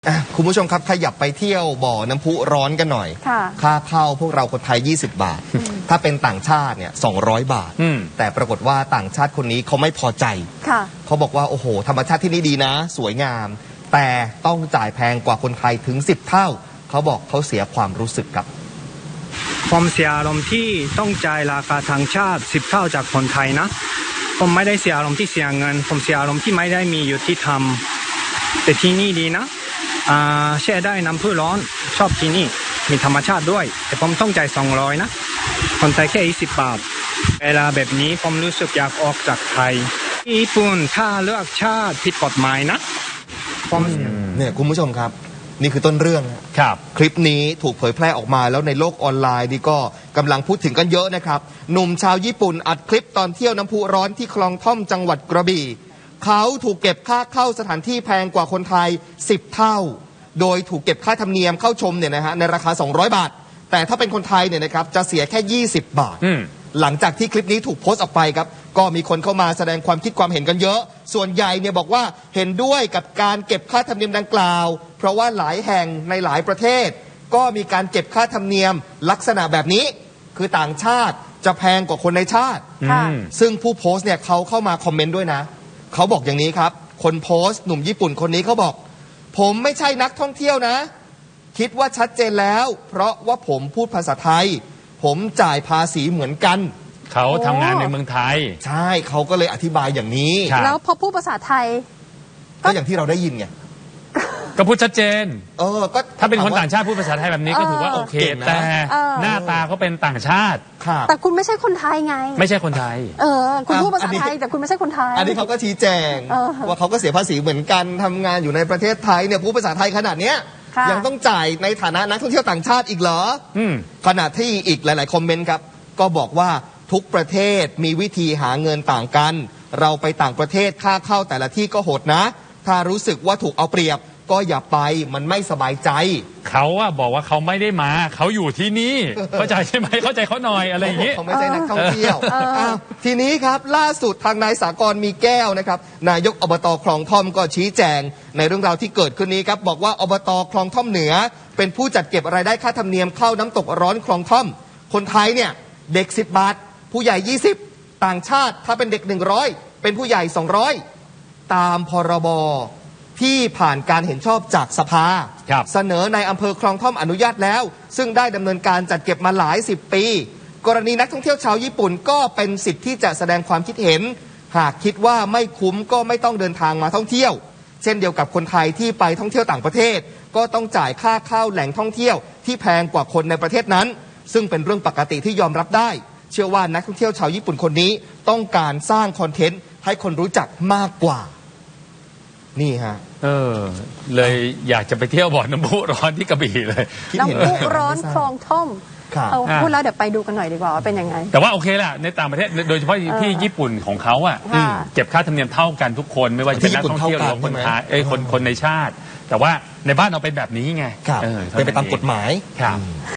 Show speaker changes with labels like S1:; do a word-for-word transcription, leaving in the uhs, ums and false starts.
S1: อ่ะคุณผู้ชมครับขยับไปเที่ยวบ่อน้ำพุร้อนกันหน่อยค่าเข้าพวกเราคนไทยยี่สิบบาทถ้าเป็นต่างชาติเนี่ยสองร้อยบาทแต่ปรากฏว่าต่างชาติคนนี้เขาไม่พอใจเขาบอกว่าโอ้โหธรรมชาติที่นี่ดีนะสวยงามแต่ต้องจ่ายแพงกว่าคนไทยถึงสิบเท่าเขาบอกเขาเสียความรู้สึกกับ
S2: ผมเสียอารมณ์ที่ต้องจ่ายราคาต่างชาติสิบเท่าจากคนไทยนะผมไม่ได้เสียอารมณ์ที่เสียเงินผมเสียอารมณ์ที่ไม่ได้มีอยู่ที่ทำแต่ที่นี่ดีนะอ่าแช่ได้น้ำพุร้อนชอบที่นี่มีธรรมชาติด้วยแต่ผมต้องจ่ายสองร้อยนะคนไทยแค่ยี่สิบบาทเวลาแบบนี้ผมรู้สึกอยากออกจากไทยญี่ปุ่นถ้าเลือกชาติผิดกฎหมายนะผม
S1: เนี่ยคุณผู้ชมครับนี่คือต้นเรื่องครับคลิปนี้ถูกเผยแพร่ออกมาแล้วในโลกออนไลน์นี่ก็กำลังพูดถึงกันเยอะนะครับหนุ่มชาวญี่ปุ่นอัดคลิปตอนเที่ยวน้ำพุร้อนที่คลองท่อมจังหวัดกระบี่เขาถูกเก็บค่าเข้าสถานที่แพงกว่าคนไทยสิบเท่าโดยถูกเก็บค่าธรรมเนียมเข้าชมเนี่ยนะฮะในราคาสองร้อยบาทแต่ถ้าเป็นคนไทยเนี่ยนะครับจะเสียแค่ยี่สิบบาทหลังจากที่คลิปนี้ถูกโพสต์ออกไปครับก็มีคนเข้ามาแสดงความคิดความเห็นกันเยอะส่วนใหญ่เนี่ยบอกว่าเห็นด้วยกับการเก็บค่าธรรมเนียมดังกล่าวเพราะว่าหลายแห่งในหลายประเทศก็มีการเก็บค่าธรรมเนียมลักษณะแบบนี้คือต่างชาติจะแพงกว่าคนในชาติซึ่งผู้โพสต์เนี่ยเขาเข้ามาคอมเมนต์ด้วยนะเขาบอกอย่างนี้ครับคนโพสต์หนุ่มญี่ปุ่นคนนี้เขาบอกผมไม่ใช่นักท่องเที่ยวนะคิดว่าชัดเจนแล้วเพราะว่าผมพูดภาษาไทยผมจ่ายภาษีเหมือนกัน
S3: เขาทำงานในเมืองไทย
S1: ใช่เขาก็เลยอธิบายอย่างนี้
S4: แล้วพอพูดภาษาไทย
S1: ก็อย่างที่เราได้ยินไง
S3: ก็พูดชัดเจน
S1: เออก็
S3: ถ้าเป็นคนต่างชาติพูดภาษาไทยแบบนี้ก็ถือว่าโอเคแต่หน้าตาเขาเป็นต่างชาติ
S4: แต่คุณไม่ใช่คนไทยไง
S3: ไม่ใช่คนไทย
S4: เออคุณพูดภาษาไทยแต่คุณไม่ใช่คนไทย
S1: อันนี้เขาก็ชี้แจงว่าเขาก็เสียภาษีเหมือนกันทำงานอยู่ในประเทศไทยเนี่ยพูดภาษาไทยขนาดเนี้ยยังต้องจ่ายในฐานะนักท่องเที่ยวต่างชาติอีกเหรอขณะที่อีกหลายๆคอมเมนต์ครับก็บอกว่าทุกประเทศมีวิธีหาเงินต่างกันเราไปต่างประเทศค่าเข้าแต่ละที่ก็โหดนะถ้ารู้สึกว่าถูกเอาเปรียบก็อย่าไปมันไม่สบายใจ
S3: เขาอะบอกว่าเขาไม่ได้มาเขาอยู่ที่นี่เข้าใจใช่ไหมเข้าใจเขาหน่อยอะไรอย่างนี้
S1: เขาไม่ใช่นักท่องเที่ยวทีนี้ครับล่าสุดทางนายสากรมีแก้วนะครับนายกอบตคลองท่อมก็ชี้แจงในเรื่องราวที่เกิดขึ้นนี้ครับบอกว่าอบตคลองท่อมเหนือเป็นผู้จัดเก็บรายได้ค่าธรรมเนียมเข้าน้ำตกร้อนคลองท่อมคนไทยเนี่ยเด็กสิบบาทผู้ใหญ่ยี่สิบต่างชาติถ้าเป็นเด็กหนึ่งร้อยเป็นผู้ใหญ่สองร้อยตามพรบที่ผ่านการเห็นชอบจากสภาเสนอในอำเภอคลองท่อมอนุญาตแล้วซึ่งได้ดำเนินการจัดเก็บมาหลายสิบปีกรณีนักท่องเที่ยวชาวญี่ปุ่นก็เป็นสิทธิ์ที่จะแสดงความคิดเห็นหากคิดว่าไม่คุ้มก็ไม่ต้องเดินทางมาท่องเที่ยวเช่นเดียวกับคนไทยที่ไปท่องเที่ยวต่างประเทศก็ต้องจ่ายค่าเข้าแหล่งท่องเที่ยวที่แพงกว่าคนในประเทศนั้นซึ่งเป็นเรื่องปกติที่ยอมรับได้เชื่อว่านักท่องเที่ยวชาวญี่ปุ่นคนนี้ต้องการสร้างคอนเทนต์ให้คนรู้จักมากกว่านี่ฮะ
S3: เออเลยอยากจะไปเที่ยวบ่อน้ำพุร้อนที่กระบี่เลย
S4: น้ำพุร้อนคลองท่อมเอาพูดแล้วเดี๋ยวไปดูกันหน่อยดีกว่าว่าเป็นยังไง
S3: แต่ว่าโอเคแหละในต่างประเทศโดยเฉพาะที่ญี่ปุ่นของเขาอ่ะเก็บค่าธรรมเนียมเท่ากันทุกคนไม่ว่าจะเป็นนักท่องเที่ยวหรือคนไทยเอ้ยคนคนในชาติแต่ว่าในบ้านเราเป็นแบบนี้ไง
S1: เป็นไปตามกฎหมาย
S3: ครับ